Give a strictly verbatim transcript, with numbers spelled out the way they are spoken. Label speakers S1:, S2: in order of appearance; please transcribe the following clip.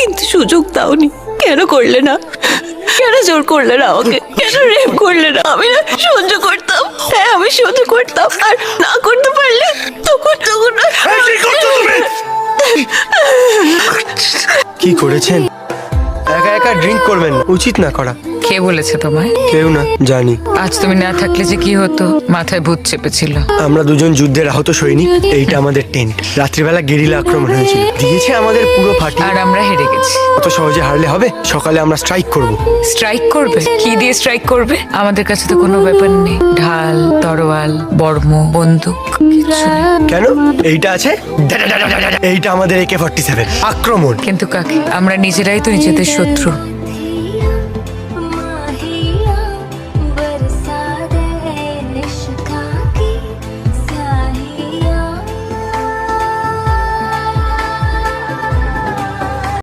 S1: কিন্তু সুযোগ দাওনি। কেন করলে না? কেন জোর করলে না আমাকে? কেন রেপ করলে না? আমি না সহ্য করতাম, হ্যাঁ আমি সহ্য করতাম, আর না করতে পারলে তখন তখন
S2: কি করেছেন? একা একা ড্রিঙ্ক করবেন না, উচিত না করা।
S3: কে বলেছে তোমায়?
S2: কেউ না, জানি।
S3: আজ তুমি না থাকলে যে কি হতো, মাথায় ভূত চেপেছিল।
S2: আমরা দুজন যুদ্ধের আহত সৈনিক, এইটা আমাদের টেন্ট। রাত্রিবেলা গেরিলা আক্রমণ হয়েছিল, দিয়েছে আমাদের পুরো ফাটি।
S3: আর আমরা হেরে গেছি।
S2: অত সহজে হারলে হবে? সকালে আমরা স্ট্রাইক করব।
S3: স্ট্রাইক করবে? কি দিয়ে স্ট্রাইক করবে? আমাদের কাছে তো কোনো ব্যাপার নেই, ঢাল, তরোয়াল, বর্ম, বন্দুক কিছু নেই।
S2: কেন? এইটা আছে, এইটা আমাদের একে ফর্টি সেভেন। আক্রমণ।
S3: কিন্তু কাকে? আমরা নিজেরাই তো নিজেদের শত্রু।